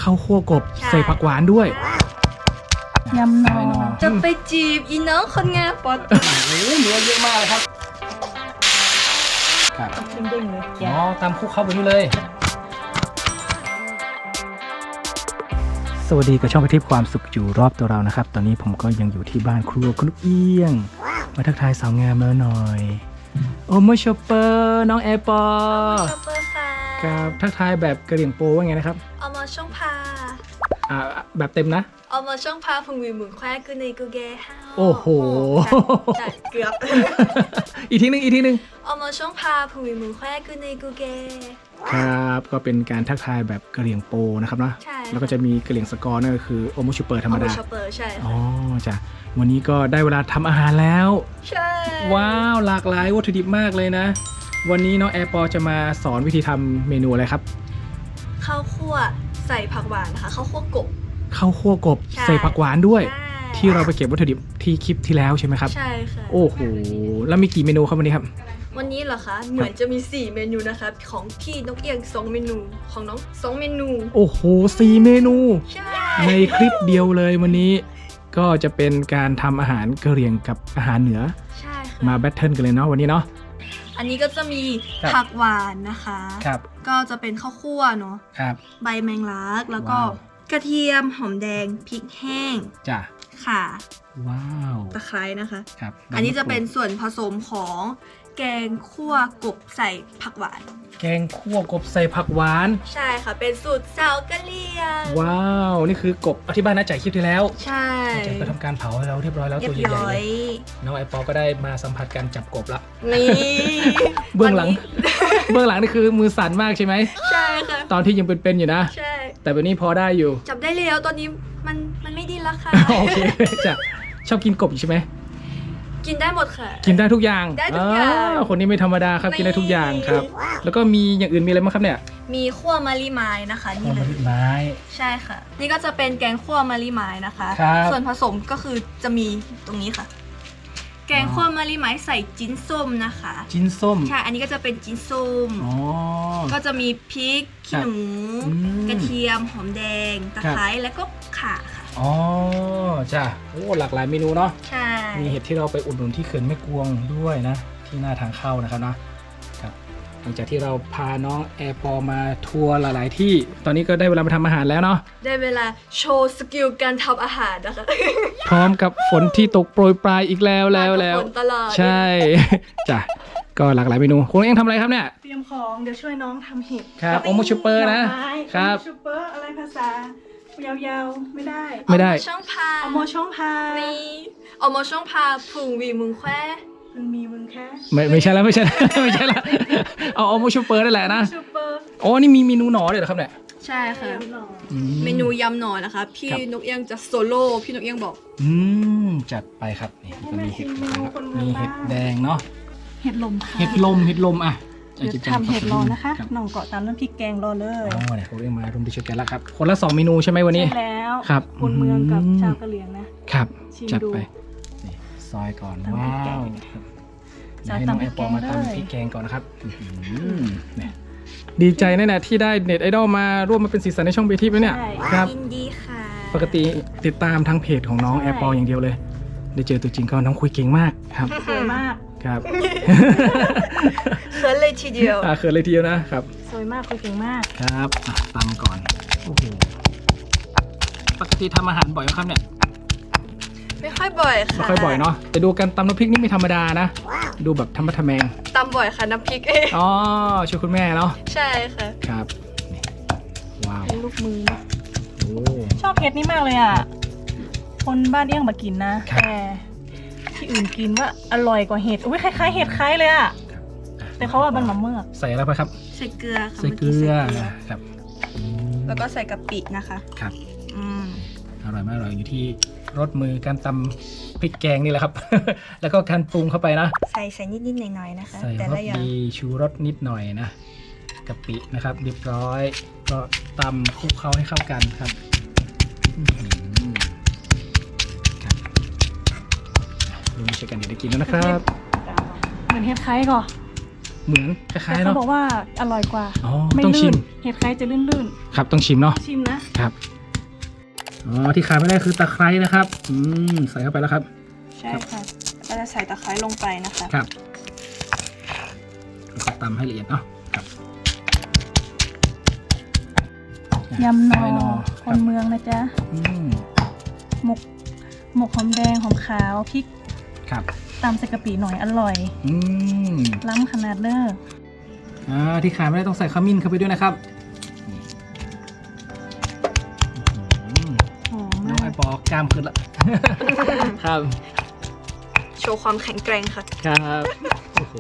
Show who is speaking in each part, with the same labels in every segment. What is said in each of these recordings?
Speaker 1: ข้าวคั่วกบใส่ผักหวานด้วย
Speaker 2: ยำหนอ
Speaker 3: จะไปจีบอีน้องคนงานปอด
Speaker 1: โอ้โหเนื้อเยอะมากเลยครับครับ
Speaker 2: เด้งๆเลย
Speaker 1: อ๋อตามคลุกเข้าไปนี่เลย สวัสดีกับช่องกระทิบความสุขอยู่รอบตัวเรานะครับตอนนี้ผมก็ยังอยู่ที่บ้านครัวคุณลูกเอี้ยงมาทักทายสาวงามแล้วหน่อยโอโมชอปเปอร์น้องแอร์ปอ
Speaker 3: ชอปเปอร์ค่ะ
Speaker 1: กับทักทายแบบกระเหรี่ยงโปว่าไงนะครับ
Speaker 3: เอามาช่องพา
Speaker 1: แบบเต็มนะ
Speaker 3: เอามาช่องพาพุงวีหมุนแควกูในกูเกฮา
Speaker 1: โอ้โห
Speaker 3: ใช่เกือบ
Speaker 1: อีกทีหนึง
Speaker 3: เอามาช่องพาพุงวีหมุนแควกูในกูเก
Speaker 1: ครับก็เป็นการทักทายแบบกระเหรี่ยงโปนะครับเนาะ
Speaker 3: ใช่
Speaker 1: แล้วก็จะมีกระเหรี่ยงสกอร์นั่นก็คือโอโมชอปเปอร์ธรรมดา
Speaker 3: ชอปเปอร์ใช่
Speaker 1: อ๋อจ้ะวันนี้ก็ได้เวลาทำอาหารแล้ว
Speaker 3: ใช่
Speaker 1: ว้าวหลากหลายวัตถุดิบมากเลยนะ วันนี้น้องแอร์ปอจะมาสอนวิธีทำเมนูอะไรครับ
Speaker 3: ข้าวคั่วใส่ผักหวานนะคะข้าวคั่วกบ
Speaker 1: ข้าวคั่วกบ
Speaker 3: ใช่
Speaker 1: ใส่ผักหวานด้วย
Speaker 3: ใช่
Speaker 1: ที่เราไปเก็บวัตถุดิบที่คลิปที่แล้วใช่ไหมครับ
Speaker 3: ใช่ค่ะ
Speaker 1: โอ้โหแล้วมีกี่เมนูครับวันนี้ครับ
Speaker 3: วันนี้เหรอคะเหมือนจะมี4เมนูนะคะของพี่นกเอียง2เมนูของน้อง2เมนู
Speaker 1: โอ้โห4เมนู
Speaker 3: ใช่
Speaker 1: ในคลิปเดียวเลยวันนี้ ก็จะเป็นการทำอาหารกะเหรี่ยงกับอาหารเหนือ
Speaker 3: ใช่ค่ะ
Speaker 1: มาแบทเทิลกันเลยเนาะวันนี้เนาะ
Speaker 3: อันนี้ก็จะมี
Speaker 1: ครับ
Speaker 3: ผักหวานนะคะ
Speaker 1: ครับ
Speaker 3: ก็จะเป็นข้าวคั่วเนาะ
Speaker 1: ครับ
Speaker 3: ใบแมงลักแล้วก็
Speaker 1: ว้าว
Speaker 3: กระเทียมหอมแดงพริกแห้ง
Speaker 1: จ้ะ
Speaker 3: ค่ะ
Speaker 1: ว้าว
Speaker 3: ตะไคร้นะคะ
Speaker 1: ครับ
Speaker 3: อันนี้จะเป็นส่วนผสมของแกงคั่วกบใส่ผักหวาน
Speaker 1: แกงคั่วกบใส่ผักหวาน
Speaker 3: ใช่ค่ะ เป็นสูตรสาวกะเหรี่ยง
Speaker 1: ว้าวนี่คือกบอธิบายนะจ่ายคลิปที่แล้ว
Speaker 3: ใช่
Speaker 1: จ่ายก็ทำการเผาให้เราเรียบร้อยแล้ว
Speaker 3: เรีย
Speaker 1: ตัว
Speaker 3: บ
Speaker 1: ใหญ่
Speaker 3: ร้
Speaker 1: ๆ
Speaker 3: อ
Speaker 1: เลย ยน้องไอปอก็ได้มาสัมผัสการจับกบละ
Speaker 3: นี่
Speaker 1: เบื้องหลัง
Speaker 3: วันนี้
Speaker 1: เบื้องหลังนี่คือมือสั่นมากใช่ไหม
Speaker 3: ใช่ค่ะ
Speaker 1: ตอนที่ยังเป็นๆอยู่นะ
Speaker 3: ใช่
Speaker 1: แต่วันนี้พอได้อยู่
Speaker 3: จับได้แล้วตอนนี้มันไม่ดิ้นละค่ะ
Speaker 1: โอเคจ้ะชอบกินกบอยู่ใช่ไหม
Speaker 3: กินได้หมดค่ะ
Speaker 1: กินได้ทุกอย่าง
Speaker 3: ได้ทุกอย่าง
Speaker 1: คนนี้ไม่ธรรมดาครับ
Speaker 3: ไม่
Speaker 1: กินได้ทุกอย่างครับ แล้วก็มีอย่างอื่นมีอะไรบ้างครับเนี่ย
Speaker 3: มีคั่วมะลิไม้นะคะนี่เลย
Speaker 1: ไม้
Speaker 3: ใช่ค่ะ นี่ก็จะเป็นแกงคั่วมะลิไม้นะคะ
Speaker 1: ครับ
Speaker 3: ส่วนผสมก็คือจะมีตรงนี้ค่ะ แกงคั่วมะลิไม้ใส่จิ้นส้มนะคะ
Speaker 1: จิ้นส้ม
Speaker 3: ใช่ อันนี้ก็จะเป็นจิ้นส้ม
Speaker 1: อ๋อ
Speaker 3: ก็จะมีพริกขี้หนู
Speaker 1: อืม
Speaker 3: กระเทียม หอมแดง ตะไคร้ แล้วก็ข่าค่ะ
Speaker 1: อ๋อจ้ะโอ้หลากหลายเมนูเนาะ
Speaker 3: ใช่
Speaker 1: มีเห็ดที่เราไปอุดหนุนที่เขื่อนแม่กวงด้วยนะ ที่หน้าทางเข้านะครับนะครับหลังจากที่เราพาน้องแอร์ปอมาทัวร์หลายๆที่ตอนนี้ก็ได้เวลามาทำอาหารแล้วเนาะ
Speaker 3: ได้เวลาโชว์สกิลการทำอาหารนะคะ
Speaker 1: พร้อมกับฝนที่ตกโปรยปลายอีกแล้วแล้ว
Speaker 3: ฝนตลอด
Speaker 1: ใช่ จ้ะก็หลากหลายเมนูคุณเองทำอะไรครับเนี่ย
Speaker 2: เตรียมของเดี๋ยวช่วยน้องทำเห็ด
Speaker 1: ครับโอโมชูเปอร์นะ
Speaker 2: หน่อไม้
Speaker 1: ครับ
Speaker 2: โอโมชูเปอร์อะไรภาษายาวๆไม่ได้
Speaker 1: ไม่ได้
Speaker 3: เอาาช่องพา
Speaker 2: เอาโมช่องพา
Speaker 3: นี่เอามาช่องพาพุงวีมึงแคว
Speaker 2: มันมีมึงแค่
Speaker 1: ไม่ใช่แล้วไม่ใช่แล้ว ไม่ใช่แล้วเอาโอโมชูเปอร์นั่นแหละนะ
Speaker 2: ชูเปอร์
Speaker 1: โอ้นี่มีเมนูหนอด้วยเหรอครับเนี่ย
Speaker 3: ใช่ค่ะ
Speaker 2: หน่อ
Speaker 1: อื
Speaker 3: เมนูยำหน่อนะคะ พี่
Speaker 1: ครับ
Speaker 3: นกเอี้ยงจะโซโล่พี่นกเอี้ยงบอก
Speaker 1: จัดไปครับนี่ก็มีเห็ดนะครับมีเห็ดแดงเนาะ
Speaker 2: เห็ดลมค่ะ
Speaker 1: เห็ดลมอ่ะ
Speaker 2: เดี๋ยวทำเห็ดรอนะคะ
Speaker 1: รับ
Speaker 2: หน่องเกาะตามน้ำพริกแกงรอเลย
Speaker 1: อ๋อเนี่ยเขาเรียกมาร่วมด้วยช่วยกันแล้วครับ คนละ2เมนูใช่ไหมวันนี้
Speaker 2: ใช่แล้ว
Speaker 1: ครับ
Speaker 2: คนเมืองกับชาวกะเหรี่ยงนะครับ ชิม
Speaker 1: จัด
Speaker 2: ดู
Speaker 1: ไปนี่ซอยก่อน
Speaker 2: ทำพริ
Speaker 1: ว้าก
Speaker 2: แกง
Speaker 1: ว
Speaker 2: จะ
Speaker 1: ให้น้อง
Speaker 2: ตำพริ
Speaker 1: แอก ปอมา
Speaker 2: แกงเลย
Speaker 1: ทำพริกแกงก่อนนะครับเนี่ยดีใจแน่ๆที่ได้เน็ตไอดอลมาร่วมมาเป็นสีสันในช่องเบทีแล้วเนี่ย
Speaker 2: ใช่
Speaker 1: ครับ
Speaker 3: ยินดีค่ะ
Speaker 1: ปกติติดตามทางเพจของน้องแอร์ปออย่างเดียวเลย ได้เจอตัวจริงก็น้องคุยเก่งมากครับ
Speaker 2: สวยมาก
Speaker 1: ครับ
Speaker 3: เขินเลยทีเดียว
Speaker 1: เขินเลยทีเดียวนะครับ
Speaker 2: สวยมากคุยเก่งมาก
Speaker 1: ครับตำก่อนโอ้โหปกติทำอาหารบ่อยไหมครับเนี่ย
Speaker 3: ไม่ค่อยบ่อยค่ะ
Speaker 1: ไม่ค่อยบ่อยเนาะแต่ดูการตำน้ำพริกนี่ไม่ธรรมดานะ ดูแบบธรรมะทะแมง
Speaker 3: ตำบ่อยค่ะน้ำพริก
Speaker 1: อ๋อช่วยคุณแม่เนาะ
Speaker 3: ใช่ค่ะ
Speaker 1: ครับนี่ว้าว
Speaker 2: เป็นลูกมือนะ
Speaker 1: โอ้
Speaker 2: ชอบเห็ดนี่มากเลยอ่ะ คนบ้านเอี้ยงมากินนะ
Speaker 1: ครับ
Speaker 2: แต่ที่อื่นกินว่าอร่อยกว่าเห็ด อุ้ยคล้ายๆเห็ดคล้ายเลยอ่ะ แต่เขาว่ามันมะเมือก
Speaker 1: ใส่อะไรไปครับ
Speaker 3: ใส่เกลือค่ะ
Speaker 1: ใส่เกลือ
Speaker 3: มื่กี้ใส่
Speaker 1: ครับ
Speaker 3: แล้วก็ใส่กะปินะคะ
Speaker 1: ครับ
Speaker 3: อืม
Speaker 1: อร่อยมากอร่อยอยู่ที่รสมือการตำพริกแกงนี่แหละครับ แล้วก็การปรุงเข้าไปนะ
Speaker 3: ใส่นิดๆหน่อยๆนะคะ
Speaker 1: ใส่
Speaker 3: แต่
Speaker 1: ร
Speaker 3: ละ
Speaker 1: ส
Speaker 3: อย่าง
Speaker 1: ดีชูรสนิดหน่อยนะกะปินะครับเรียบร้อย ก็ตำคลุกเคล้าให้เข้ากันครับอื้อหือครับรวมช่วยกันเดี๋ยวได้กินแล้วนะครับ
Speaker 2: เหมือนเห็ดคล้ายก่อน
Speaker 1: เหมือนคล้ายๆ
Speaker 2: แต่เขา
Speaker 1: เนาะ
Speaker 2: บอกว่าอร่อยกว่า
Speaker 1: อ๋อ
Speaker 2: ไม่
Speaker 1: ต้องชิ
Speaker 2: ลื่
Speaker 1: ม
Speaker 2: นเห็ดไคร้จะลื่น
Speaker 1: ครับต้องชิมเนาะ
Speaker 2: ๆชิมนะครับ
Speaker 1: อ๋อที่ขาดไม่ได้คือตะไคร้นะครับใส่เข้าไปแล้วครับ
Speaker 2: ใช่ค่ะเราจะใส่ตะไคร้ลงไปนะคะ
Speaker 1: ครับแล้วก็ตำให้ละเอียดเนาะครับ
Speaker 2: ยำหนอ
Speaker 1: ไส้ห
Speaker 2: ค
Speaker 1: รั
Speaker 2: น
Speaker 1: บ
Speaker 2: เมืองนะจ๊ะ
Speaker 1: อืม
Speaker 2: หมกหอมแดงหอมขาวพริก
Speaker 1: ครับ
Speaker 2: ตำใส่กะปิหน่อยอร่อย
Speaker 1: อืม
Speaker 2: ล้ำขนาดเด้อ
Speaker 1: ที่ขาดไม่ได้ต้องใส่ขมิ้นเข้าไปด้วยนะครับอื้อหือ
Speaker 2: หอม
Speaker 1: น้อ
Speaker 2: มาง
Speaker 1: ไอก ปอกล้ามขึ้นละ ครับ
Speaker 3: โชว์ความแข็งแกร่งค่ะ
Speaker 1: ครับโอ้โห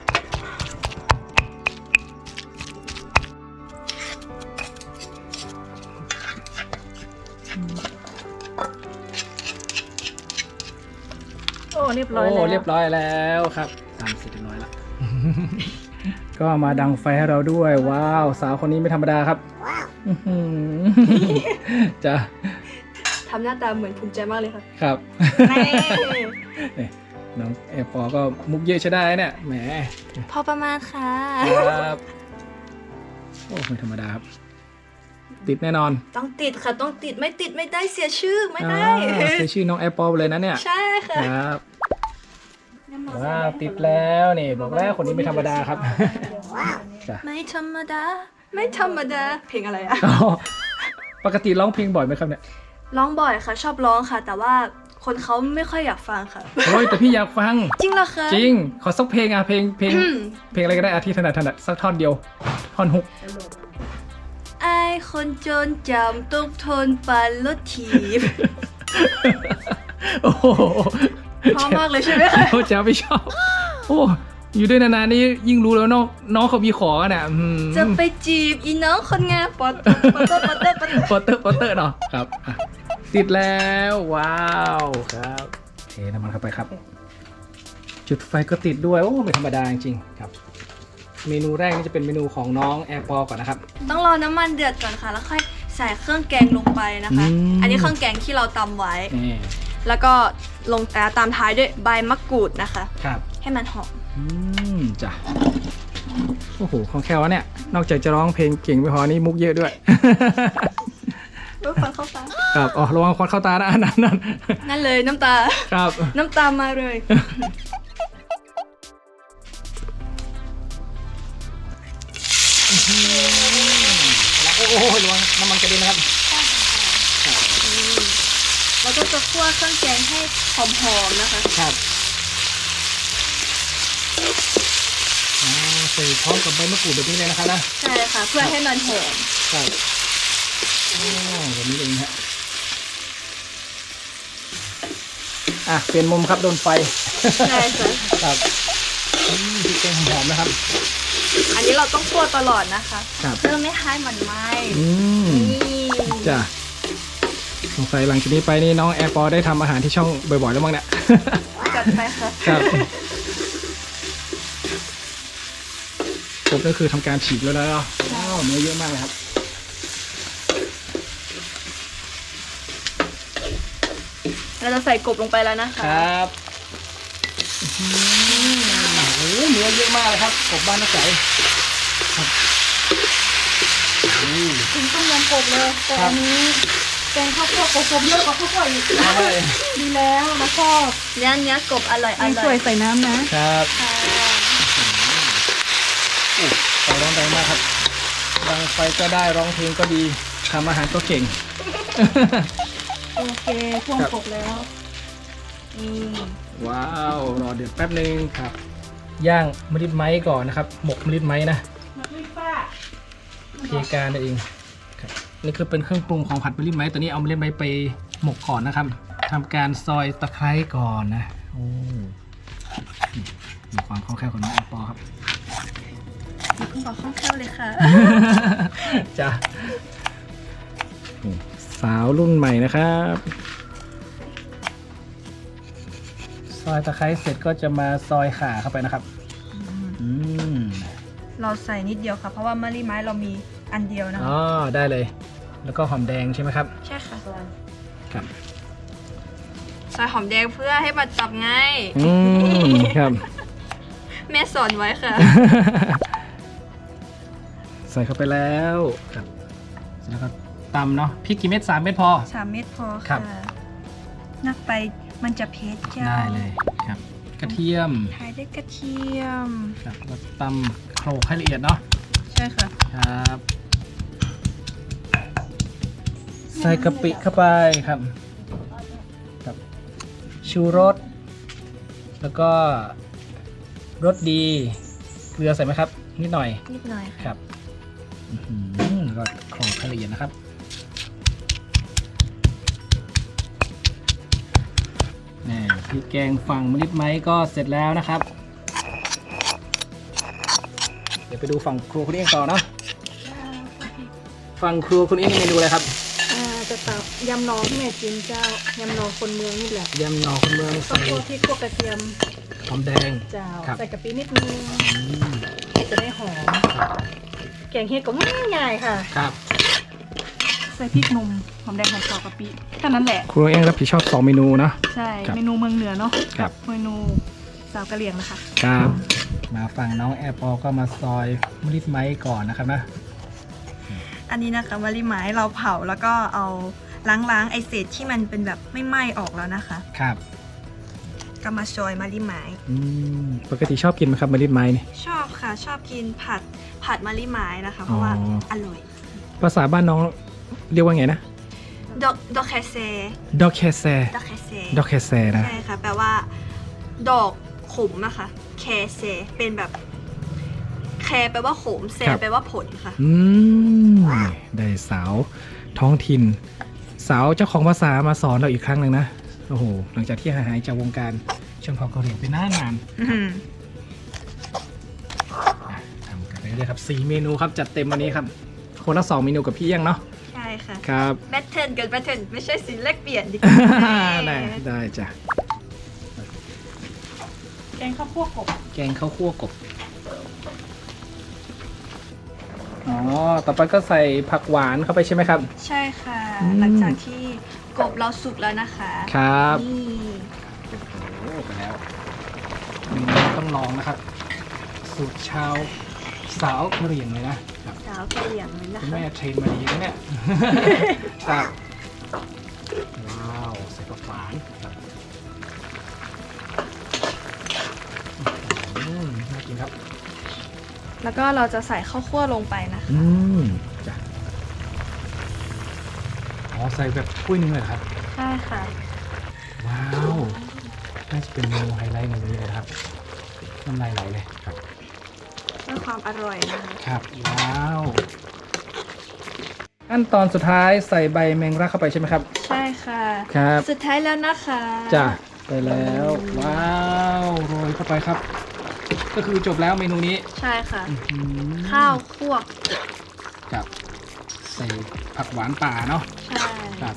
Speaker 2: โอ้เรียบร้อยแล้ว
Speaker 1: เรียบร้อยแล้วครับตามเสร็จเรียบร้อยแล้ว ก็มาดังไฟให้เราด้วย ว้าว สาวคนนี้ไม่ธรรมดาครับอื้อหือ จ้ะ
Speaker 3: ทำหน้าตาเหมือนภูมิใจมากเลยค่ะ
Speaker 1: ครับ
Speaker 2: แน่
Speaker 1: นี่น้องแอร์ปอก็มุกเยอะใช้ได้เนี่ยแหม
Speaker 3: พอประมาณค่ะ
Speaker 1: ครับโอ้ไม่ธรรมดาครับ ติดแน่นอน
Speaker 3: ต้องติดค่ะ ต้องติดไม่ติดไม่ได้เสียชื่อไม่ได้
Speaker 1: ใช้ชื่อน้องแอร์ปอเลยนะเนี่ย
Speaker 3: ใช่ค่ะ
Speaker 1: ครับว้าวติดแล้วนี่บอกแล้วคนนี้ไม่ธรรมดาครับจ้ะ
Speaker 3: ไม่ธรรมดา ไม่ธรรมดา เพลงอะไรอะ
Speaker 1: อ๋อปกติร้องเพลงบ่อยไหมครับเนี่ย
Speaker 3: ร้องบ่อยค่ะ ชอบร้องค่ะ แต่ว่าคนเขาไม่ค่อยอยากฟังค่ะ
Speaker 1: โอ้ยแต่พี่อยากฟัง
Speaker 3: จริงเหรอคะ
Speaker 1: จริง ขอสักเพลงอ่ะเพลงเพลงอะไรก็ได้อาที่ถนัดสักท่อนเดียว ท่อนฮุก
Speaker 3: ไอ้คนจนจำต้องทนปันรถถีบ
Speaker 1: โอ้โห
Speaker 3: เพราะมากเลยใช่ไหมคะ
Speaker 1: เขาจะไม่ชอบ โอ้อยู่ด้วยนานๆนี่ยิ่งรู้แล้วน้องเขามีขอกันอ่ะ
Speaker 3: จะไปจีบอีน้องคนงามปอดปอดปอดปอดปอด
Speaker 1: โปสเตอร์เนาะครับอ่ะติดแล้วว้าวครับเทน้ำมันเข้าไปครับ จุดไฟก็ติดด้วยโอ้ไม่ธรรมดาจริงๆครับ เมนูแรกนี่จะเป็นเมนูของน้องแอร์ปอก่อนนะครับ
Speaker 3: ต้องรอน้ำมันเดือดก่อนค่ะ แล้วค่อยใส่เครื่องแกงลงไปนะคะ อันนี้เครื่องแกงที่เราตำไว้
Speaker 1: นี่
Speaker 3: แล้วก็ลงตามท้ายด้วยใบมะกรูดนะคะ
Speaker 1: ครับ
Speaker 3: ให้มันหอม
Speaker 1: จ้ะโอ้โหของแค่วะเนี่ยนอกจากจะร้องเพลงเก่งไม่พอนี่มุกเยอะด้วย
Speaker 3: รู้ฟังเข้าตา
Speaker 1: ครับอ๋อระวังควันเข้าตานะนั่น
Speaker 3: นั่นเลยน้ำตา
Speaker 1: ครับ
Speaker 3: น้ำตามาเลย
Speaker 1: โอ้โหระวังน้ำมันกระเด็นนะครับ
Speaker 3: เราก็จะคั่วเครื่องแกงให้หอมๆนะคะ
Speaker 1: ครับใส่พร้อมกับใบมะกรูดแบบนี้เลยนะครับนะ
Speaker 3: ใช่ค่ะ เพื่อให้มันหอม
Speaker 1: ครับแบบนี้เองฮะเปลี่ยนมุมครับโดนไฟ
Speaker 3: ใช่ค่ะ
Speaker 1: ครับพริกแกงหอมๆนะครับ
Speaker 3: อันนี้เราต้องคั่วตลอดนะคะ
Speaker 1: ครับ
Speaker 3: เพื่อไม่ให้มันไหม้ นี่
Speaker 1: จ้ะสงสัยหลังจากนี้ไปนี่น้องแอร์ปอได้ทำอาหารที่ช่องบ่อยๆแล้วมั้งเนี่ย
Speaker 3: จัดไปค่ะ
Speaker 1: ครับผมก็คือทำการฉีกแล้วนะว้าวเนื้อเยอะมากเลยครับ
Speaker 3: เราจะใส่กบลงไปแล้วนะคะ
Speaker 1: ครับโอ้โหเนื้อเยอะมากเลยครับกบบ้านนักใสครับ
Speaker 2: ถึงต้มยำกบเลยแต่อันนี้แกงข้าวคั่วกบเยอะกว่าข้าวคั่วอีก
Speaker 1: ใช่
Speaker 2: ดีแล้วนะชอบ
Speaker 3: เนื้อกบอร่อยอ
Speaker 2: มี
Speaker 3: ร่
Speaker 2: ส
Speaker 3: อ
Speaker 2: วย ยใส่น้ำนะ
Speaker 1: ครับ
Speaker 3: ค่ะ
Speaker 1: ไฟร้อนแรงมากครับดังไฟก็ได้ร้องเพลงก็ดีทำอาหารก็เก่ง
Speaker 2: โอเคพ่วงกบแล้วนี่
Speaker 1: ว้าวรอเดือดแป๊บนึงครับ ย่างมะลิดไม้ก่อนนะครับ หมกมะลิดไม้นะ
Speaker 2: มาด้วยป้า
Speaker 1: เพียการนั่นเองครับนี่คือเป็นเครื่องปรุงของผัดมะลิดไม้ตัวนี้เอามะลิดไม้ไปหมกก่อนนะครับทำการซอยตะไคร้ก่อนนะโอ้มีความคล่องแคล่วของน้องแอปเปิลครับ
Speaker 3: เพิ่งบอกคล่องแคล่วเลยค่ะ
Speaker 1: จ้ะสาวรุ่นใหม่นะครับซอยตะไคร้เสร็จก็จะมาซอยข่าเข้าไปนะครับอืม
Speaker 3: เราใส่นิดเดียวค่ะ เพราะว่ามะลิไม้เรามีอันเดียวนะ
Speaker 1: อ๋
Speaker 3: คะ
Speaker 1: อได้เลย แล้วก็หอมแดงใช่ไหมครับ
Speaker 3: ใช่ค่ะ
Speaker 1: ครับ
Speaker 3: ใส่หอมแดงเพื่อให้มันจับง่าย
Speaker 1: ครับ
Speaker 3: แม่สอนไว้ค่ะ
Speaker 1: ใส่เข้าไปแล้วครับเสร็จแล้วก็ตำเนาะพริกกี่เม็ด3 เม็ดพอ
Speaker 3: 3 เม็ดพอ
Speaker 1: ครั
Speaker 3: ค่ะ
Speaker 1: บ
Speaker 3: นักไปมันจะเผ็ดเจ้า
Speaker 1: ได้เลยครับ กระเทียม
Speaker 3: ทายด้วยกระเทียม
Speaker 1: ครับแล้วตำโขลกให้ละเอียดเนาะ
Speaker 3: ใช่ค่ะ
Speaker 1: ครับ ใส่กะปิเข้าไปครับครับชูรสแล้วก็รสดีเกลือใส่ไหมครับ นิดหน่อย
Speaker 3: นิดหน่อย
Speaker 1: ค
Speaker 3: ค่ะ
Speaker 1: รับแล้วก็โขลกให้ละเอียดนะครับนี่พริกแกงฝั่งมะลิดไม้ก็เสร็จแล้วนะครับ เดี๋ยวไปดูฝั่งครัวคุณเอี้ยงต่อเนาะฝั่งครัวคุณเอี้ยงเมนูอะไรครับ
Speaker 2: จะตับยำหนอที่แม่กินเจ้ายำหนอคนเมืองนี่แหละ
Speaker 1: ยำหน่อคนเมือง
Speaker 2: ก็
Speaker 1: ใส่
Speaker 2: พวกพริกพวกกระเทียม
Speaker 1: หอมแดง
Speaker 2: เจ้า
Speaker 1: ครับ
Speaker 2: ใส่กะปินิดนึง
Speaker 1: อืม
Speaker 2: จะได้หอมแกงเห็ดก็ง่ายๆค่ะ
Speaker 1: ครับ
Speaker 2: ใส่พริกหนุ่มหอมแดงหอมขาวกะปิแค่นั้นแหละ
Speaker 1: ครัวเอี้ยงรับผิดชอบ2 เมนูเนาะ
Speaker 2: ใช่
Speaker 1: ครับ
Speaker 2: เมนูเมืองเหนือเนาะ
Speaker 1: ครับ
Speaker 2: เมนูสาวกะเหรี่ยงนะคะ
Speaker 1: ครับ มาฝั่งน้องแอร์พอก็มาซอยมะลิดไม้ก่อนนะครับนะ
Speaker 3: อันนี้นะคะมะลิไม้เราเผาแล้วก็เอาล้างไอเศษที่มันเป็นแบบไม่ไหม้ออกแล้วนะคะ
Speaker 1: ครับ
Speaker 3: ก็มาซอยมะลิไม้
Speaker 1: ปกติชอบกินไหมครับมะลิดไม้นี่
Speaker 3: ชอบค่ะ ชอบกินผัดมะลิไม้นะคะ เพราะว่า
Speaker 1: อ๋อ
Speaker 3: อร่อย
Speaker 1: ภาษาบ้านน้องเรียกว่าไงนะ
Speaker 3: ดอกแคเซ
Speaker 1: ดอกแคแซ
Speaker 3: ดอกแคเซ
Speaker 1: ดอกแคแซนะ
Speaker 3: ใช่ค่ะ แปลว่า ดอกขมนะคะ แคเซเป็นแบบ แคแปลว่าขมเซแปลว่าผลค่ะ
Speaker 1: ได้สาวท้องถิ่น สาวเจ้าของภาษามาสอนเราอีกครั้งหนึ่งนะ โอ้โห หลังจากที่หายจากวงการชนเผ่ากะเหรี่ยงไปนานทำกันไปเรื่อยๆครับ4 เมนูครับ จัดเต็มวันนี้ครับ คนละ2 เมนูกับพี่เอี้ยงเนาะ
Speaker 3: ใช่ค่ะ
Speaker 1: ครับ
Speaker 3: แบทเทิลกับแบทเทิลไม่ใช่สินแลกเปลี่ยนดีกว่า
Speaker 1: ได้จ้ะ
Speaker 2: แกงข้าวคั่วกบ
Speaker 1: แกงข้าวคั่วกบ อ๋อ ต่อไปก็ใส่ผักหวานเข้าไปใช่ไหมครับ
Speaker 3: ใช่ค่ะ
Speaker 1: อืม
Speaker 3: หลังจากที่กบเราสุกแล้วนะคะ
Speaker 1: ครับ
Speaker 3: นี่
Speaker 1: โอ้ไปแล้วต้องลองนะครับ สูตรชาวสาวกะเหรี่ยงเลยนะครับ
Speaker 3: สาวกะเหรี่ยงเลยนะ
Speaker 1: คุณ
Speaker 3: คะ
Speaker 1: แม่เทรนมาดีนะเนี่ย ครับว้าว ใส่ผักหวานครับน่ากินครับ
Speaker 3: แล้วก็เราจะใส่ข้าวคั่วลงไปนะคะ
Speaker 1: จ้ะอ๋อใส่แบบถ้วยหนึงเลยเหรอครับ
Speaker 3: ใช่ค่ะ
Speaker 1: ว้าวน่าจะเป็นเมนูไฮไลท์ในวันนี้เลยนะครับน้ำลายไหลเลยครับ
Speaker 3: เพื่อความอร่อยนะคะ
Speaker 1: ครับว้าวขั้นตอนสุดท้ายใส่ใบแมงลักเข้าไปใช่ไหมครับ
Speaker 3: ใช่ค่ะ
Speaker 1: ครับ
Speaker 3: สุดท้ายแล้วนะคะ
Speaker 1: จ้ะไปแล้วว้าวโรยเข้าไปครับ ก็คือจบแล้วเมนูนี้
Speaker 3: ใช่ค่ะ
Speaker 1: อื้อหือ
Speaker 3: ข้าวคั่ว
Speaker 1: กับใส่ผักหวานป่าเนาะ
Speaker 3: ใช่
Speaker 1: ครับ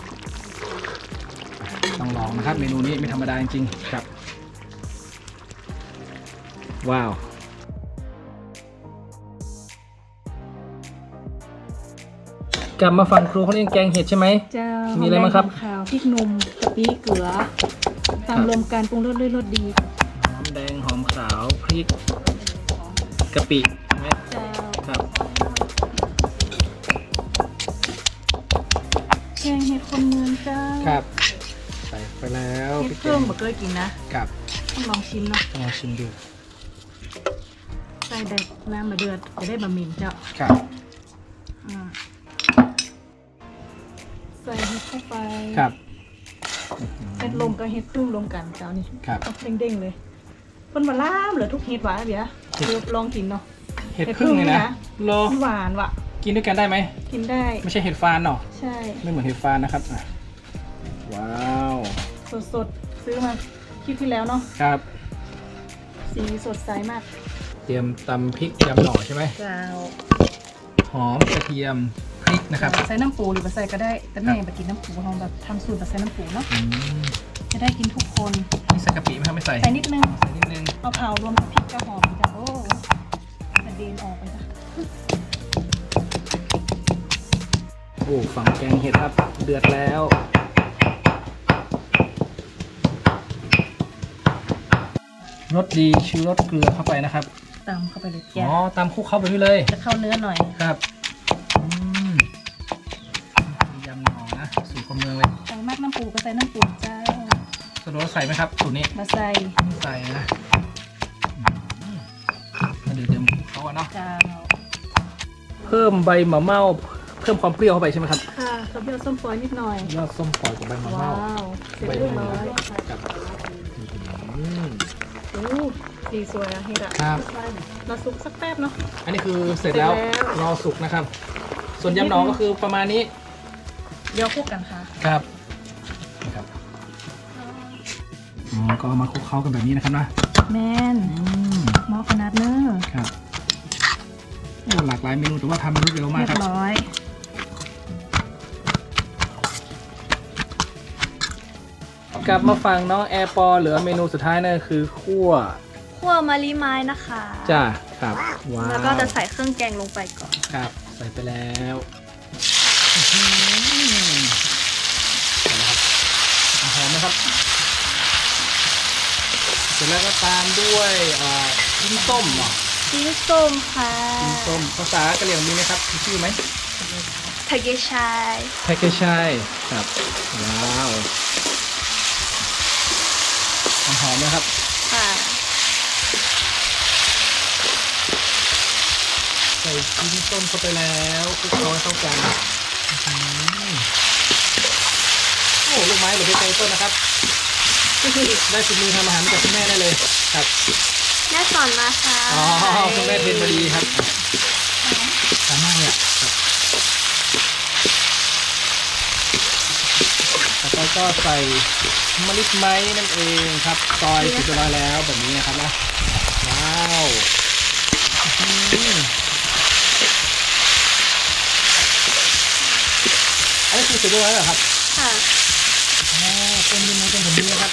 Speaker 1: ต้องลองนะครับ เมนูนี้ไม่ธรรมดาจริงๆครับ ว้าว กลับมาฝั่งครูเขาเรียกแกงเห็ดใช่ไหม
Speaker 2: เจ้า
Speaker 1: มีอะไรบ้างครับ
Speaker 2: หอมแดหอมขาวพริกหนุ่มกะปิเกลือตามรวมกันปรุงรสด้วยรสดี
Speaker 1: หอมแดงหอมขาวพริกกะปิใช่ไหม
Speaker 2: เจ้า
Speaker 1: ครับ
Speaker 2: แกงเห็ดคนเมืองเจ้า
Speaker 1: ครับใส่ไปแล้ว
Speaker 2: เห็ดเครื่องบ่เคยกินนะ
Speaker 1: กับ
Speaker 2: ต้องลองชิมเนาะ
Speaker 1: ลองชิมดู
Speaker 2: ใส่แดกน้ำมาเดือดจะได้บะหมี่เจ้า
Speaker 1: ครับ
Speaker 2: อ่าใส่เห็ดเข้าไป
Speaker 1: ครับ
Speaker 2: เห็ดลมกับเห็ดพึ่งรวมกันเจ้านี่
Speaker 1: ครับ
Speaker 2: เด้งๆเลยคนมาล่ามเหลือทุกเห็ดหวานเบียร์เดี๋ยวลองกินเนาะ
Speaker 1: เห็ดพึ่งเลยนะโล
Speaker 2: หวานว่ะ
Speaker 1: กินด้วยกันได้ไหม
Speaker 2: กินได้
Speaker 1: ไม่ใช่เห็ดฟานเนาะ
Speaker 2: ใช่
Speaker 1: ไม่เหมือนเห็ดฟานนะครับอ่ะว้าว
Speaker 2: สดๆซื้อมาคลิปที่แล้วเนาะ
Speaker 1: ครับ
Speaker 2: สีสดใสมาก
Speaker 1: เตรียมตำพริกยำหน่อใช่ไหม
Speaker 2: เจ้า
Speaker 1: หอมกระเทียมพริกนะครับ
Speaker 2: ใส่น้ำปูหรือไม่ใส่ก็ได้แต่แม่ไปกินน้ำปูเราแบบทำสูตรแบบใส่น้ำปูเนาะ
Speaker 1: อืม
Speaker 2: จะได้กินทุกคน
Speaker 1: นี่ใส่กะปิไหมครับไม่ใส่
Speaker 2: ใส่นิดนึง
Speaker 1: ใส่นิดนึง
Speaker 2: เอาเผารวมกับพริกกระหอมจ้ะโอ้กระเด็นออกไปจ้ะ
Speaker 1: โอ้ฝั่งแกงเห็ดครับเดือดแล้วรสดีชูรสเกลือเข้าไปนะครับ
Speaker 2: ตำเข้าไปเลย
Speaker 1: อ๋
Speaker 2: แกะ
Speaker 1: อตามคลุกเข้าไปด้วยเลย
Speaker 2: จะเข้าเนื้อหน่อย
Speaker 1: ครับยำหน่อนะสูตรคนเมืองเลย
Speaker 2: ใส่มากน้ำปูก็ใส่น้ำปูเจ้า
Speaker 1: สะดวกใส่ไหมครับสูตรนี้
Speaker 2: มาใส่
Speaker 1: ใส่นะเดี๋ยวเดิมเขาอะเนาะ
Speaker 2: เจ้า
Speaker 1: เพิ่มใบมะเม่าเพิ่มความเปรี้ยวเข้าไปใช่ไหมครับ
Speaker 2: ค่ะกระเทียมส้มปล่อยนิดหน่อย
Speaker 1: ยอดส้มปล่อยกับใบมะ
Speaker 2: ว้า
Speaker 1: เม่าว
Speaker 2: เสร็จเรียบร้อย
Speaker 1: กับ
Speaker 2: โอ้สีสวยอะเห็ดอะ
Speaker 1: ครับ
Speaker 2: เราซุกสักแป๊บเนาะ
Speaker 1: อันนี้คือเสร็จแล้ว
Speaker 2: เสร็จแล้ว
Speaker 1: รอสุกนะครับ ส่วนยำหนอก็คือประมาณนี้
Speaker 2: เดี๋ยวคลุกกันค่ะ
Speaker 1: ครับนะครับก็มาคลุกเคล้ากันแบบนี้นะครับนะ
Speaker 2: แมนหม้อขนาดเนอร์
Speaker 1: ครับโอ้หลากหลายเมนูแต่ว่าทำรวดเร็วมาก
Speaker 2: เรีย
Speaker 1: ครับ
Speaker 2: บร้อย
Speaker 1: กลับมาฟังน้องแอร์ปอเหลือเมนูสุดท้ายนั่นคือคั่ว
Speaker 3: คั่วมะลิไม้นะคะ
Speaker 1: จ้าครับว้าว
Speaker 3: แล้วก็จะใส่เครื่องแกงลงไปก่อน
Speaker 1: ครับใส่ไปแล้วหอมไหมครับเสร็จแล้วก็ตามด้วยชิ้นส้มเหรอ
Speaker 3: จิ้นส้มค่ะ
Speaker 1: ชิ้นส้มภาษากะเหรี่ยงมีไหมครับมีชื่อไหม
Speaker 3: ทะเกชาย
Speaker 1: แพ็กเกจใช่ครับว้าวหอมนะครับ
Speaker 3: ค่ะ
Speaker 1: ใส่ชิ้นส้มเข้าไปแล้วคลุกเคล้าให้เข้ากันโอ้ลูกไม้หรือใบเตยต้นนะครับได้ฝีมือทำอาหารมาจากคุณแม่ได้เลยครับ
Speaker 3: แม่สอนมาค่ะ
Speaker 1: อ๋อคุณแม่เทรนมาดีครับสามารถเลยครับแล้วก็ใส่มะลิไม้นั่นเองครับซอยเสร็จเรียบร้อยแล้วแบบนี้นะครับนะว้าวอันนี้คือเสร็จเรียบร้อยแล้วเหรอครับ
Speaker 3: ค่ะ
Speaker 1: อ๋อต้นนี้มันเป็นแบบนี้นะครับ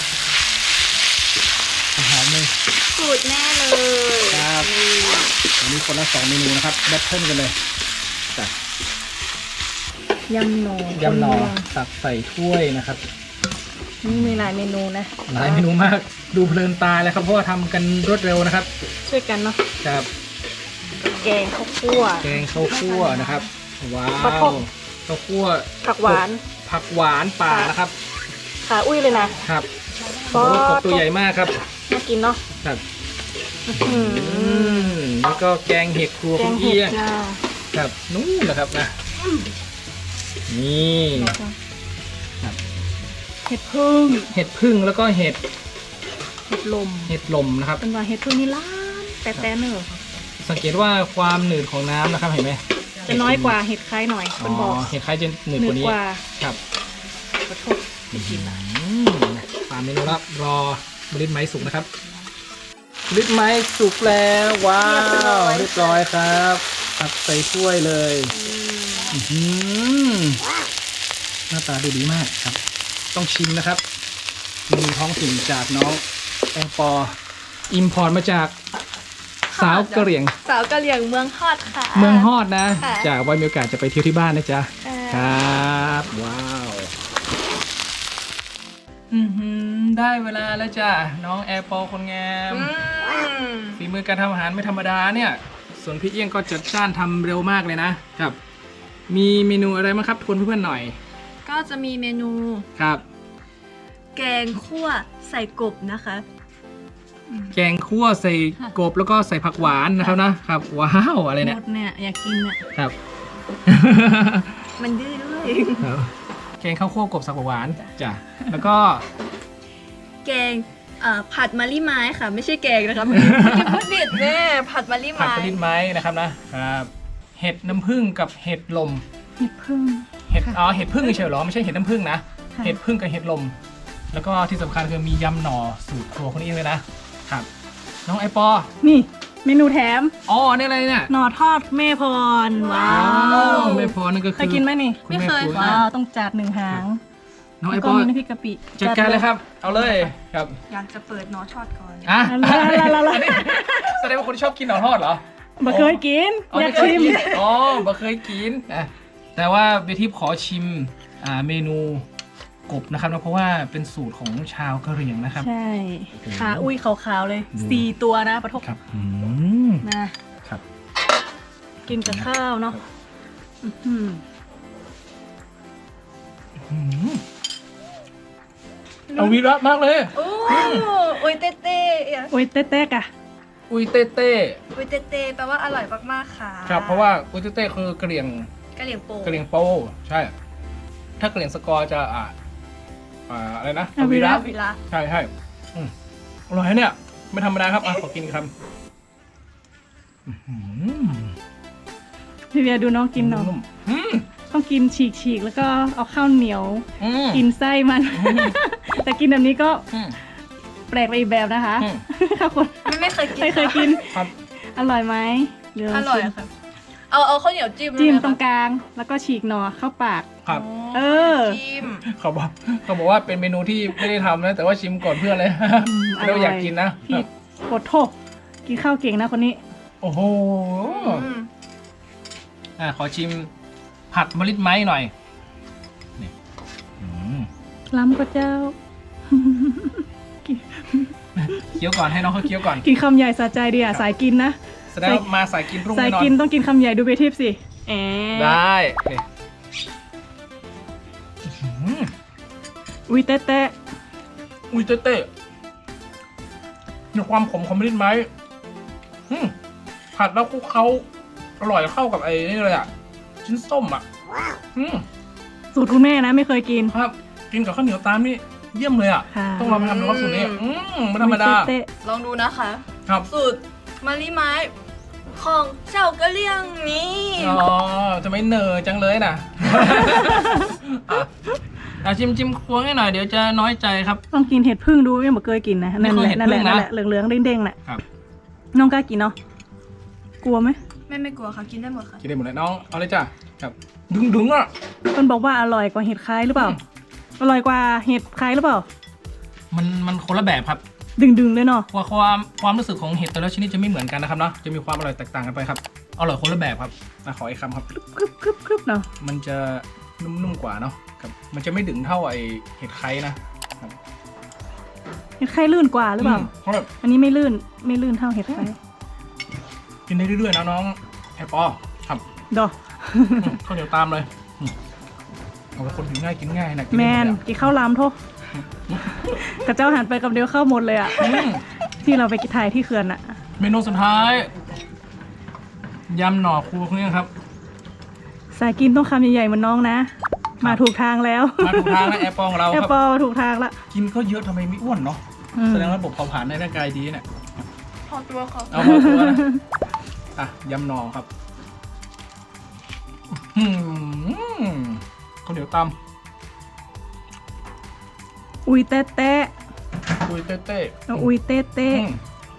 Speaker 1: หอมเลย
Speaker 3: สูตรแม่เลย
Speaker 1: ครับวันนี้คนละ2เมนูนะครับแบทเทิลกันเลยจ้ะ
Speaker 2: ยำหน่อย
Speaker 1: ำหน่อ
Speaker 2: คนเมืง
Speaker 1: ตักใส่ถ้วยนะครับ
Speaker 2: นี่มีหลายเมนูนะ
Speaker 1: หลายเมนูมากดูเพลินตาเลยครับเพราะว่าทำกันรวดเร็วนะครับ
Speaker 2: ช่วยกันเนาะ
Speaker 1: ครับ
Speaker 2: แกงข้าวคั่ว
Speaker 1: แกงข้าวคั่วนะครับว้า
Speaker 2: ข้าวโพ
Speaker 1: ว
Speaker 2: ด
Speaker 1: ข้าวคั่ว
Speaker 2: ผักหวาน
Speaker 1: ผักหวานป่านะครับ
Speaker 2: ขาอุ้ยเลยนะครับ
Speaker 1: โอ้กบตัวใหญ่มากครับ
Speaker 2: น่ากินเนาะ
Speaker 1: ครับ
Speaker 2: อื้อหือ
Speaker 1: แล้วก็แกงเห็ดครัว
Speaker 2: แก
Speaker 1: คุณ
Speaker 2: งเห็
Speaker 1: เอี้
Speaker 2: ด
Speaker 1: ยง
Speaker 2: จ้า
Speaker 1: ครับนู่นแหละครับนะนี่
Speaker 2: เห็ดพึ่ง
Speaker 1: เห็ดพึ่งแล้วก็เห็ด
Speaker 2: เห็ดลม
Speaker 1: เห็ดลมนะครับ
Speaker 2: เป็นว่าเห็ดพึ่งนี่ล้านแต่เนอะ
Speaker 1: สังเกตว่าความหนืดของน้ำนะครับเห็นไหม
Speaker 2: จะน้อยกว่าเห็ดคล้ายหน่อยคนบอก
Speaker 1: เห็ดคล้ายจะหนืด
Speaker 2: หนื
Speaker 1: ก
Speaker 2: ด
Speaker 1: ว่านี้
Speaker 2: กว่า
Speaker 1: ครับ
Speaker 2: ขอโทษไม่กินละ
Speaker 1: ตามเมนูแล้วรอบริษไม้สุกนะครับบริษไม้สุกแล้วว้าวเรียบร้อยครับตักใส่ถ้วยเลยอื้อหือหน้าตาดูดีมากครับ ต้องชิมนะครับเมนูท้องถิ่นจากน้องแองปออิมพอร์ตมาจากสาวกะเหรี่ยง
Speaker 3: สาวกะเหรี่ยงเมืองฮอดค่ะ
Speaker 1: เมืองฮอดนะ
Speaker 3: ค่ะ
Speaker 1: จากไว้มีโอกาสจะไปเที่ยวที่บ้านนะจ๊ะ
Speaker 3: ค่ะ
Speaker 1: ครับว้าวได้เวลาแล้วจ้ะน้องแอร์ปอคนงามฝีมือการทำอาหารไม่ธรรมดาเนี่ยส่วนพี่เอี้ยงก็จัดจ้านทำเร็วมากเลยนะครับ มีเมนูอะไรมั้งครับทวนเพื่อนๆหน่อย
Speaker 3: ก็จะมีเมนู
Speaker 1: ครับ
Speaker 3: แกงคั่วใส่กบนะคะ
Speaker 1: แกงคั่วใส่กบแล้วก็ใส่ผักหวานนะครับนะครับว้าวอะไร
Speaker 2: ห
Speaker 1: เนี่ย
Speaker 2: มดเนี่ยอยากกินเนี่ย
Speaker 1: ครับ
Speaker 3: มันดื้อด้วย
Speaker 1: ครับแกงข้าวคั่วกบสับหวานจ้ะแล้วก็
Speaker 3: แกงผัดมะลิไม้ค่ะ ไม่ใช่แกงนะคะเมื่อกี้พูดผิดแม่ผัดมะลิ
Speaker 1: ผัด
Speaker 3: ไม้
Speaker 1: กระดิ่งไม้นะครับนะครับเห็ดน้ำผึ้งกับเห็ดลม
Speaker 2: เห็ดพึ่ง
Speaker 1: เห็ดเห็ดผึ้งเฉยๆเหรอไม่ใช่เห็ดน้ำผึ้งนะ
Speaker 2: ค่ะ
Speaker 1: เห็ดผึ้งกับเห็ดลม แล้วก็ที่สำคัญคือมียำหน่อสูตรครัวคนนี้เลยนะครับ น้องไอปอ
Speaker 2: นี่เมนูแถม
Speaker 1: อ๋อนี่อะไรเนี่ย
Speaker 2: หน่อทอดแม่พรว้า
Speaker 1: อ้าว
Speaker 2: ว
Speaker 1: ไม่พอนั่นก็คือ
Speaker 2: เคยกินไหมนี่
Speaker 1: คุณแม่
Speaker 3: ไม่เคย
Speaker 1: ครัว
Speaker 3: ค่ะ
Speaker 2: ว้าวต้องจัดหนึ่งหาง
Speaker 1: น้องไอ
Speaker 2: แล้ว
Speaker 1: ป
Speaker 2: ก็
Speaker 1: อ
Speaker 2: มีน้ำพริกกะปิ
Speaker 1: จัดการเลยครับ เอาเลยครับ
Speaker 3: อยากจะเปิดนอทอดก่อน
Speaker 1: อ่ะ
Speaker 2: ละ
Speaker 1: แสดงว่าคนชอบกินหน่อทอดเหรอ
Speaker 2: บ่เคยกิน
Speaker 1: อ๋อ
Speaker 2: อยาก
Speaker 1: ไม่เคย
Speaker 2: ชิม
Speaker 1: กินอ๋อบ่เคยกินแต่ว่าเบทิปขอชิมเมนูกบนะครับนะเพราะว่าเป็นสูตรของชาวกะเหรี่ยงนะครับ
Speaker 2: ใช่
Speaker 1: โอ้โห
Speaker 2: ขาอุ้ยขาวๆเลย
Speaker 1: ดู
Speaker 2: 4 ตัวนะปะทก
Speaker 1: ครับ
Speaker 2: นะครับ กินกับข้าวเนาะ
Speaker 1: ครับ
Speaker 2: อื้อหือ
Speaker 1: เอาวีระมากเลย
Speaker 3: โอ้อุยเต้เต้
Speaker 2: โอ้ยเต๊กๆอะ
Speaker 1: อุยเต้เต้
Speaker 3: อุยเต้เต้แปลว่าอร่อยมากๆค่ะ
Speaker 1: ครับเพราะว่าอุยเต้เต้คือกะเหรี่ยง
Speaker 3: กะเหรี่ยงโป
Speaker 1: กะเหรี่ยงโปใช่ ถ้ากะเหรี่ยงสกอร์จะอะไรนะ
Speaker 2: เอาวีระ
Speaker 3: วิลา
Speaker 1: ใช่ใช่อร่อยนะเนี่ยไม่ธรรมดาครับขอกินอีกคำ
Speaker 2: พี่เบียร์ดูน้องกินเนาะ
Speaker 1: นุ่ม
Speaker 2: ต้องกินฉีกๆ แล้วก็เอาข้าวเหนียว
Speaker 1: อืม
Speaker 2: กินไส้มัน แต่กินแบบนี้ก็
Speaker 1: อืม
Speaker 2: แปลกไปอีกแบบนะคะ
Speaker 1: อืม
Speaker 2: ถ้าคน
Speaker 3: ไม่เคยกิน
Speaker 2: ไม่เคยกิน
Speaker 1: ครับ
Speaker 2: อร่อยไหมเดี๋ว
Speaker 3: อร่อยค่ะ เอาข้าวเหนียวจิ้ม
Speaker 2: จิ้ม
Speaker 3: เลย
Speaker 2: ตรง
Speaker 3: ค่ะ
Speaker 2: กลาง แล้วก็ฉีกหน่อเข้าปาก
Speaker 1: ครับ
Speaker 2: เออ
Speaker 3: จิ้ม
Speaker 1: เขาบอกว่าเป็นเมนูที่ไม่ได้ทำนะแต่ว่าชิมก่อนเพื่อนเลย
Speaker 2: อร่อย
Speaker 1: เราอยากกินนะ
Speaker 2: พี่กดโทษกินข้าวเก่งนะคนนี้
Speaker 1: โอ้โห
Speaker 3: อืม
Speaker 1: ขอชิมผัดมะลิไม้หน่อยนี่อืม
Speaker 2: ล้ำก็เจ้า
Speaker 1: เคี้ยวก่อนให้น้องเขาเคี้ยวก่อน
Speaker 2: กินคำใหญ่สะใจดีอ่ะ สายกินนะ
Speaker 1: แสดงว่ามาสายกินรุ่ง
Speaker 2: สาย
Speaker 1: แน่นอน
Speaker 2: กินต้องกินคำใหญ่ดูเบทิปสิแอ
Speaker 1: ได้นี่อืม
Speaker 2: อุ้ยเต๊ะ
Speaker 1: อุ้ยเต้ในความขมของมะลิไม้ผัดแล้วคลุกเคล้าอร่อยเข้ากับไอ้นี่เลยอ่ะชิ้นส้มอ่ะ
Speaker 2: ๆสูตรคุณแม่นะไม่เคยกิน
Speaker 1: ครับกินกับข้าวเหนียวตามนี่เยี่ยมเลยอ่ะ
Speaker 2: ค่ะ
Speaker 1: ต้องลองไปทำดูว่าสูตรนี้ไม่ธรรมดา
Speaker 2: อุ้ยเต๊ะ
Speaker 3: ลองดูนะคะ
Speaker 1: ครับ
Speaker 3: สูตรมะลิไม้ของเจ้ากะเหรี่ยงนี้
Speaker 1: อ๋อจะไม่เหนอจังเลยนะ ชิมควงให้หน่อยเดี๋ยวจะน้อยใจครับ
Speaker 2: ต้องกินเห็ดพึ่งดูไม่เคยกินนะนั่น
Speaker 1: ไม่
Speaker 2: แห
Speaker 1: เคย
Speaker 2: ละ
Speaker 1: เห็ด
Speaker 2: นั่นแหละ
Speaker 1: พึ่งนะ
Speaker 2: นั่นแหละเหลืองๆเด้งๆน่ะ
Speaker 1: ครับ
Speaker 2: น้องกล้ากินเนาะกลัวไหม
Speaker 3: ไม่กลัวค่ะ กินได้หมดค่ะ
Speaker 1: กินได้หมดเลยน้องเอาเลยจ้ะครับดึงอ่ะ
Speaker 2: คนบอกว่าอร่อยกว่าเห็ดคล้ายหรือเปล่า อร่อยกว่าเห็ดคล้ายหรือเปล่า
Speaker 1: มันคนละแบบครับ
Speaker 2: ดึงๆเลยเนาะ
Speaker 1: ความรู้สึกของเห็ดแต่ละชนิดจะไม่เหมือนกันนะครับเนาะจะมีความอร่อยแตกต่างกันไปครับอร่อยคนละแบบครับขออีกคำครับ
Speaker 2: กรึบเนาะ
Speaker 1: มันจะนุ่มๆกว่าเนาะครับมันจะไม่ดึงเท่าไอเห็ดไข่นะ
Speaker 2: เห็ดคล้ายลื่นกว่าหรือเปล่า
Speaker 1: เพราะแบบ
Speaker 2: อันนี้ไม่ลื่นเท่าเห็ดคล้าย
Speaker 1: กินได้เรื่อยๆนะน้องแอปปอครับ
Speaker 2: ดอก
Speaker 1: ข้าวเหนียวตามเลยเอาเป็นคนหิวง่ายกินง่ายนะกิ
Speaker 2: แมน
Speaker 1: ได้หด
Speaker 2: กินข้าวลามโทษกระเจ้าหันไปกับเดียวเข้าหมดเลยอะ
Speaker 1: อืม
Speaker 2: ที่เราไปกินถ่ายที่เขื่อนอะ
Speaker 1: เมนูสุดท้ายยำหน่อครูคนนี้ครับ
Speaker 2: สายกินต้องคำใหญ่ๆเหมือนน้องนะ มาถูกทางแล้ว
Speaker 1: มาถูกทางแล้วแอปปอของเรา
Speaker 2: แอ
Speaker 1: ค
Speaker 2: ป
Speaker 1: รับ
Speaker 2: เปิลถูกทางละ
Speaker 1: กินก็เยอะทำไมไม่อ้วนเนาะ
Speaker 2: อืม
Speaker 1: แสดงว่าระบบเผาผลาญในร่างกายดีเนี่ย
Speaker 3: พอตัวค่ะ
Speaker 1: เอามาตัวนะยำหน่อครับข้าวเหนียวต
Speaker 2: อุ้ยเต๊ะ
Speaker 1: ำอุ้ยเต้
Speaker 2: ๆอุ้ยเต๊ะ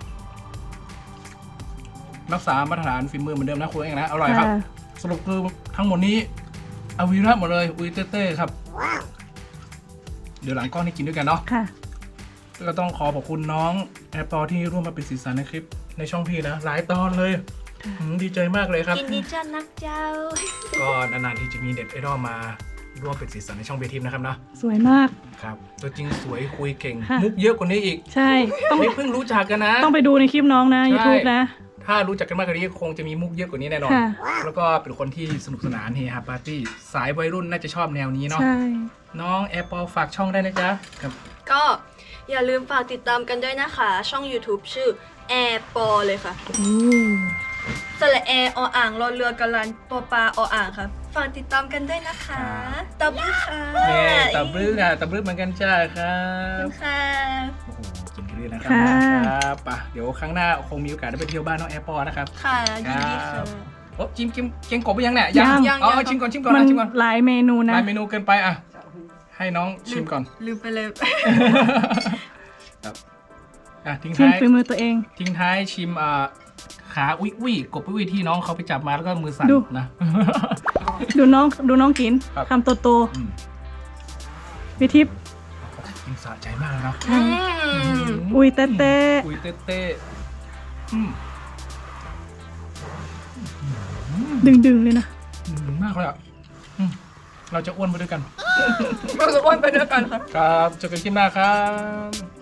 Speaker 1: รักษามาตรฐานฝีมือเหมือนเดิมนะคุณเองนะอร่อยครับ
Speaker 2: ค่ะ
Speaker 1: สรุปคือทั้งหมดนี้อวีระหมดเลยอุ้ยเต้ครับ เดี๋ยวหลังกล้องนี่กินด้วยกันเนาะ
Speaker 2: ค่ะ
Speaker 1: ก็ต้องขอขอบคุณน้องแอปเปอที่ร่วมมาเป็นสีสันในคลิปในช่องพี่นะหลายตอนเลยดีใจมากเลยครับ
Speaker 3: กินดีจ้านักเจ้า
Speaker 1: ก็นานๆที่จะมีเด็ดไอดอลมาร่วมเป็นสีสันในช่องเบทีมนะครับนะ
Speaker 2: สวยมาก
Speaker 1: ครับตัวจริงสวยคุยเก่ง
Speaker 2: ค่ะ
Speaker 1: มุกเยอะกว่านี้อีก
Speaker 2: ใช่ ต้อง
Speaker 1: นี่เพิ่งรู้จักกันนะ
Speaker 2: ต้องไปดูในคลิปน้องนะ
Speaker 1: ใช่
Speaker 2: YouTube นะ
Speaker 1: ถ้ารู้จักกันมากกว่านี้คงจะมีมุกเยอะกว่านี้แน่นอน
Speaker 2: ค่ะ
Speaker 1: แล้วก็เป็นคนที่สนุกสนานเฮฮาปาร์ตี้สายวัยรุ่นน่าจะชอบแนวนี้เนาะ
Speaker 2: ใช่
Speaker 1: น้องแอปเปิลฝากช่องได้นะจ๊ะครับ
Speaker 3: ก็อย่าลืมฝากติดตามกันด้วยนะคะ ช่อง YouTube ชื่อแอร์ปอเลยค่ะ สระแอออ่างรอเรือกันลันตัวปลาออ่างค่ะฝากติดตามกันด้วยนะคะตบมือค่ะ
Speaker 1: เนี่ยตับรึกอ่ะตับรึกเหมือนกันจ้าครั
Speaker 3: ขอบบ คุณค่ะ
Speaker 1: โอ้โหกินกันเลยนะครั
Speaker 2: ค่ะ
Speaker 1: ครับป่ะเดี๋ยวครั้งหน้าคงมีโอกาสได้ไปเที่ยวบ้านน้องแอปเปิลนะครับ
Speaker 3: ค่ะยินดี
Speaker 1: ครั
Speaker 3: ค่ะ
Speaker 1: บ โอ้จิ้มเกงกบไปยังเนี่ย
Speaker 2: ยัง
Speaker 1: เอาชิมก่อน
Speaker 2: มัน
Speaker 1: ชิมก่อน
Speaker 2: หลายเมนูนะ
Speaker 1: หลายเมนูเกินไปอ่ะให้น้องชิมก่อน
Speaker 3: ลืมไปเลย
Speaker 1: ครับทิ้ง
Speaker 2: ชิม
Speaker 1: ท้าย
Speaker 2: ฝีมือตัวเอง
Speaker 1: ทิ้งท้ายชิมขาอุ้ยกบอุ้ยที่น้องเขาไปจับมาแล้วก็มือสั่น
Speaker 2: ดู
Speaker 1: นะ
Speaker 2: ดูน้องกิน
Speaker 1: ครับ
Speaker 2: คำโต
Speaker 1: อืม
Speaker 2: ๆวิทิพย์
Speaker 1: กินสะใจมากเลยเนาะ
Speaker 2: อุ้ยเต๊ะ
Speaker 1: อุ้ยเต้อืม
Speaker 2: ๆดึงๆเลยนะ
Speaker 1: มากเลยอ่ะเราจะอ้วนไปด้วยกัน
Speaker 3: เราจะอ้วนไปด้วยกันค่ะ
Speaker 1: ครับเจอกันคลิปหน้าครับ